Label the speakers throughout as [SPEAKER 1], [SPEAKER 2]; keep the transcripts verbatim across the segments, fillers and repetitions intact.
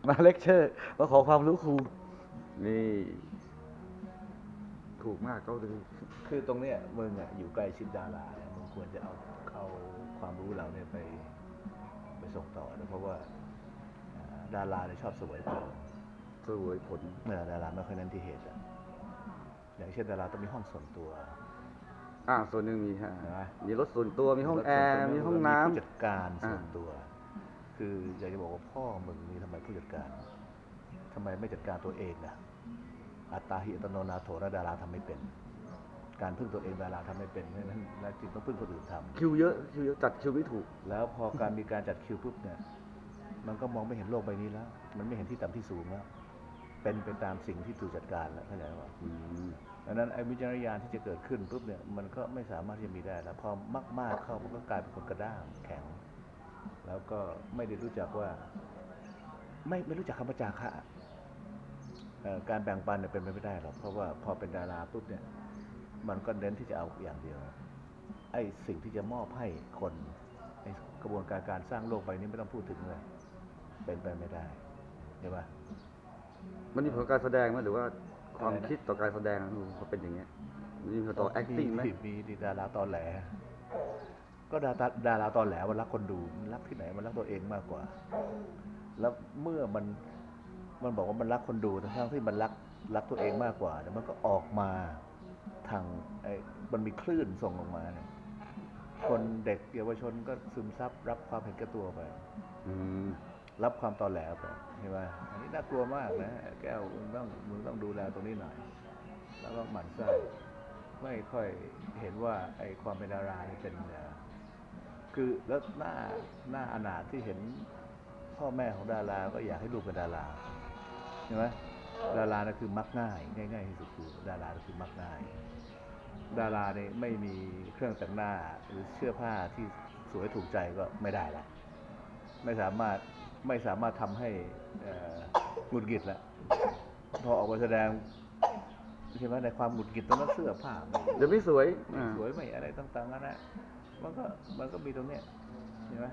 [SPEAKER 1] มาเลคเชอร์มาขอความรู้ครูนี่ถูกมากก็คือ
[SPEAKER 2] คือตรงเนี้ยมึงอ่ะอยู่ใกล้ชิดดาราเนี่ยมึงควรจะเอาเอาความรู้เราเนี่ยไปไปส่งต่อนะเพราะว่าดาราเนี่ยชอบเสวยผล
[SPEAKER 1] สวยผล
[SPEAKER 2] เมื่อดาราไม่ค่อยเน้นที่เหตุอะอย่างเช่นดาราต้องมีห้องส่วนตัว
[SPEAKER 1] อ่าส่วนหนึ่งมีฮะมีรถส่วนตัวมีห้องแอร์มีห้องน้ำ
[SPEAKER 2] มีผู้จัดการส่วนตัว คืออยากจะบอกว่าพ่อมึงนี่ทำไมผู้จัดการทำไมไม่จัดการตัวเองนะอัตตาหิอัตโนนาโถนะดาราทำไม่เป็น การพึ่งตัวเองดาราทำไม่เป็นเพราะฉะนั้นแล้วจึงต้องพึ่งคนอื่นทำ
[SPEAKER 1] คิวเยอะคิวเยอะจัดคิวไม่ถูก
[SPEAKER 2] แล้วพอการมีการจัดคิวปุ๊บเนี่ยมันก็มองไม่เห็นโลกใบนี้แล้วมันไม่เห็นที่ต่ำที่สูงแล้วเป็นไปตามสิ่งที่ถูกจัดการแล้วเข้าใจไหมว่าดังนั้นไอ้วิจารณญาณที่จะเกิดขึ้นปุ๊บเนี่ยมันก็ไม่สามารถที่จะมีได้แล้วพอมากๆเข้ามันก็กลายเป็นคนกระด้างแข็งแล้วก็ไม่ได้รู้จักว่าไม่ไม่รู้จักคำว่าจาคะการแบ่งปันเนี่ยเป็นไปไม่ได้หรอกเพราะว่าพอเป็นดาราปุ๊บเนี่ยมันก็เน้นที่จะเอาอย่างเดียวไอ้สิ่งที่จะมอบให้คนในกระบวนการการสร้างโลกใบนี้ไม่ต้องพูดถึงเลยเป็นไปไม่ได้ใช่ปะ
[SPEAKER 1] มันมีผลการแสดงไหมหรือว่าความคิดต่อการแสดงเขาเป็นอย่างเงี้ยมีผลต่อ acting ไหม
[SPEAKER 2] มีมีดาราตอนแหลก็ดาราดาราตอนแหลมันรักคนดูมันรักที่ไหนมันรักตัวเองมากกว่าแล้วเมื่อมันมันบอกว่ามันรักคนดูทั้งที่มันรักรักตัวเองมากกว่าแต่มันก็ออกมาทางไอ้มันมีคลื่นส่งออกมาเนี่ยคนเด็กเยาวชนก็ซึมซับรับความเห็นแก่ตัวไปรับความตอแหลไปใช่ไหมอันนี้น่ากลัวมากนะแก้วมึงต้องมึงต้องดูแลตรงนี้หน่อยแล้วก็หมั่นไส้ไม่ค่อยเห็นว่าไอ้ความเป็นดาราเป็นคือแล้วหน้าหน้าอนาถที่เห็นพ่อแม่ของดาราก็อยากให้ลูกเป็นดาราใช่ไหมดารานะคือมักง่ายง่ายๆที่สุดคือดาราคือมักง่ายดาราเนี่ยไม่มีเครื่องแต่งหน้าหรือเสื้อผ้าที่สวยถูกใจก็ไม่ได้ละไม่สามารถไม่สามารถทำให้หงุดหงิดละพอออกมาแสดงใช่ไหมในความหงุดหงิดตรงนั้นเสื้อผ้า
[SPEAKER 1] เดี๋ยวไม่สวย
[SPEAKER 2] ไม่สวยไม่อะไรต่างๆนั่นแหละมันก็มันก็มีตรงเนี้ยใช่ไหม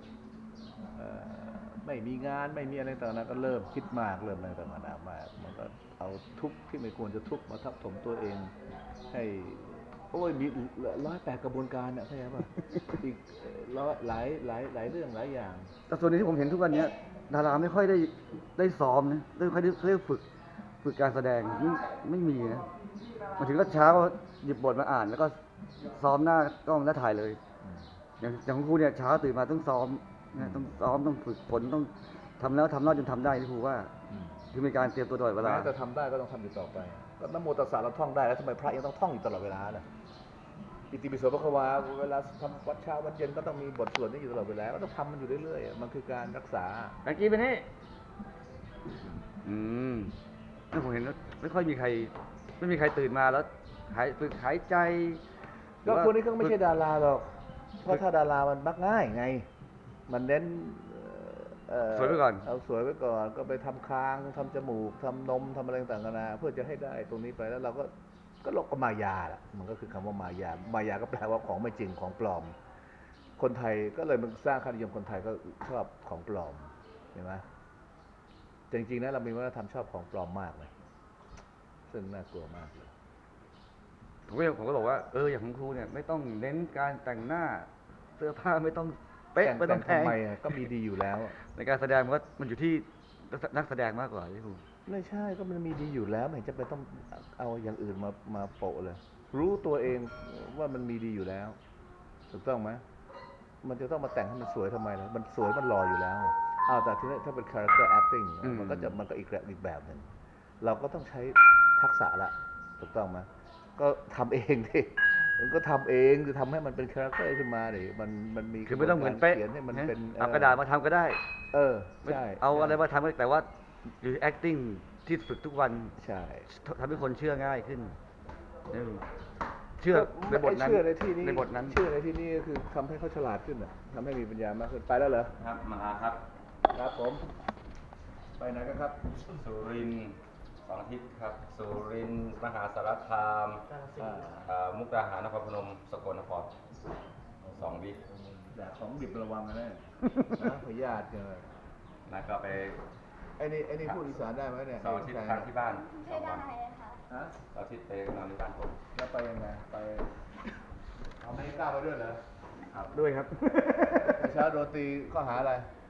[SPEAKER 2] ไม่มีงานไม่มีอะไรต่างๆก็เริ่มคิดมากเริ่มอะไรต่างๆมากมันก็เอาทุกข์ที่ไม่ควรจะทุกข์มาทับถมตัวเองให้โอ้ยมีร้อยแปดกระบวนการเนี่ยเข้าใจป่ะอีกร้อยหลายหลายหลายเรื่องหลายอย่าง
[SPEAKER 1] แต่ส่วนนี้ที่ผมเห็นทุกวันนี้ดาราไม่ค่อยได้ได้ซ้อมนะไม่ค่อยได้เรียกฝึกฝึกการแสดงไม่ไม่มีนะมาถึงก็เช้าหยิบบทมาอ่านแล้วก็ซ้อมหน้ากล้องแล้วถ่ายเลยอย่างอย่างของครูเนี่ยเช้าตื่นมาต้องซ้อมนะต้องซ้อมต้องฝึกฝนต้องทำแล้วทำเล่าจนทำได้ที่ครูว่าคือมีการเตรียมตัวตลอดเวลา
[SPEAKER 2] แต่ทำได้ก็ต้องทำอยู่ต่อไปก็นโมตัสสะเราท่องได้แล้วทำไมพระยังต้องท่องอยู่ตลอดเวลาล่ะอิติปิโสภควาเวลาทำวัดเช้าวัดเย็นก็ต้องมีบทสวดนี้อยู่ตลอดเวลาก็ต้องทำมันอยู่เรื่อยๆมันคือการรักษา
[SPEAKER 1] เมื่อกี้เป็นนี่อืมถ้าผมเห็นไม่ค่อยมีใครไม่มีใครตื่นมาแล้วหายฝึกหายใจ
[SPEAKER 2] ก็คนนี้ก็ไม่ใช่ดาราหรอกเพราะถ้าดารามันมักง่ายไงมันเน้น
[SPEAKER 1] สวยไว้ก่อน
[SPEAKER 2] เอาสวยไว้ก่อนก็ไปทำคางทำจมูกทำนมทำอะไรต่างๆนาเพื่อจะให้ได้ตรงนี้ไปแล้วเราก็ก็โลกก็มายาแหละมันก็คือคำว่ามายามายาก็แปลว่าของไม่จริงของปลอมคนไทยก็เลยมันสร้างค่านิยมคนไทยก็ชอบของปลอมเห็นไหมจริงๆนะเรามีวัฒนธรรมชอบของปลอมมากเลยซึ่งน่ากลัวมากเลย
[SPEAKER 1] ผมก็ผมก็บอกว่าเอออย่างของครูเนี่ยไม่ต้องเน้นการแต่งหน้าเสื้อผ้าไม่ต้องเป๊ะไม่ต้องแพง
[SPEAKER 2] ทำไมก็มีดีอยู่แล้ว
[SPEAKER 1] ในการแสดงมันก็มันอยู่ที่นักแสดงมากกว่าที่ครู
[SPEAKER 2] ไม่ใช่ก็มันมีดีอยู่แล้วไม่จะไปต้องเอาอย่างอื่นมามาโปะเลยรู้ตัวเองว่ามันมีดีอยู่แล้วถูกต้องไหมมันจะต้องมาแต่งให้มันสวยทำไมล่ะมันสวยมันรออยู่แล้วอ้าวแต่ทีนี้ถ้าเป็น character acting มันก็จะมันก็อีกแบบอีกแบบหนึ่งเราก็ต้องใช้ทักษะละถูกต้องไหมก็ทำเองดิมันก็ทำเองคือทำให้มันเป็นคาแรคเตอร์ขึ้นมาดิมันมันมี
[SPEAKER 1] คือไม่ต้องเหมือนเป๊ะ
[SPEAKER 2] เขียนให้มันเป็น
[SPEAKER 1] เอากระดาษมาทำก็ได้
[SPEAKER 2] เออใช่
[SPEAKER 1] เอาอะไรมาทำก็แต่ว่าหรือ acting ที่ฝึกทุกวัน
[SPEAKER 2] ใช่
[SPEAKER 1] ทำให้คนเชื่อง่ายขึ้นเชื่อในบทนั้น
[SPEAKER 2] เชื่อในที่นี้
[SPEAKER 1] ในบทนั้น
[SPEAKER 2] เชื่อในที่นี้ก็คือทำให้เขาฉลาดขึ้นอ่ะทำให้มีปัญญามากขึ้นไปแล้วเหรอ
[SPEAKER 1] ครับมาครับ
[SPEAKER 2] ครับผมไปไหนกันครับ
[SPEAKER 1] สุรินทร์สองอาทิตย์ครับสุรินทร์มหาสารคามมุกดาหารนครพนมสกลนครสองวิ
[SPEAKER 2] แต่ของดิบระวังกันแน่นะพยาธิเนี่ย
[SPEAKER 1] นะก็ไป
[SPEAKER 2] ไอ้นี่ไอ้นี่พูดอีสานได้ไหมเนี่ย
[SPEAKER 3] เสาร์อาทิตย์ค้างที่บ้าน
[SPEAKER 4] ไม่ได้ค่ะ
[SPEAKER 2] ฮะ
[SPEAKER 3] เสาร์อาทิตย์ไปนอนที่บ้านผม
[SPEAKER 2] แล้วไปยังไงไปอเมริกาไปด้วยเหรอ
[SPEAKER 3] ครับ
[SPEAKER 1] ด้วยครับ
[SPEAKER 2] เช้าโดนตีข้อหาอะไร
[SPEAKER 3] เ